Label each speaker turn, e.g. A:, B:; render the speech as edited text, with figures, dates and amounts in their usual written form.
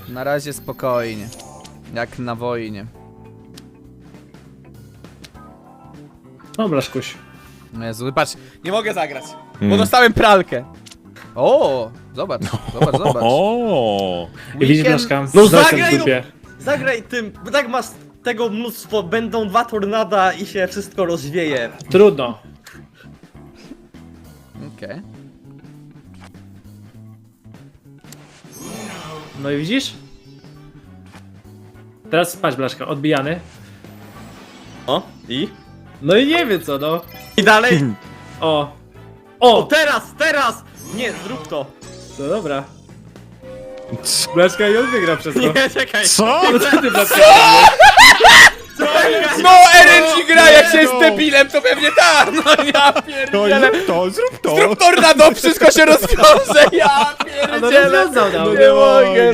A: Na razie spokojnie. Jak na wojnie.
B: O, Blaszkuś.
A: Jezu, patrz, nie mogę zagrać, bo dostałem pralkę. O, zobacz, zobacz.
C: O.
B: I widzisz,
A: Weekend-
B: Blaszka?
D: No
B: Zostań
D: zagraj,
B: w dupie.
D: Zagraj tym, bo tak masz tego mnóstwo, będą 2 tornada i się wszystko rozwieje.
B: Trudno.
A: Okej.
B: No i widzisz? Teraz patrz, Blaszka, odbijany.
D: O, i?
B: No i nie wie co, no.
D: I dalej?
B: O.
D: O,
B: O!
D: teraz! Nie, zrób to.
B: No dobra. Blaszka i on wygra przez to.
D: Nie, czekaj.
C: Co?
B: No co ty, Blaszka?
A: No, RNG gra, jak się jest debilem, to pewnie tak! No ja
C: To
A: pierdzielę!
C: zrób to, zrób to.
A: Zrób tornado, wszystko się rozwiąże, ja
B: No
A: pierdzielę!
B: rozwiązał, no.
A: Nie mogę.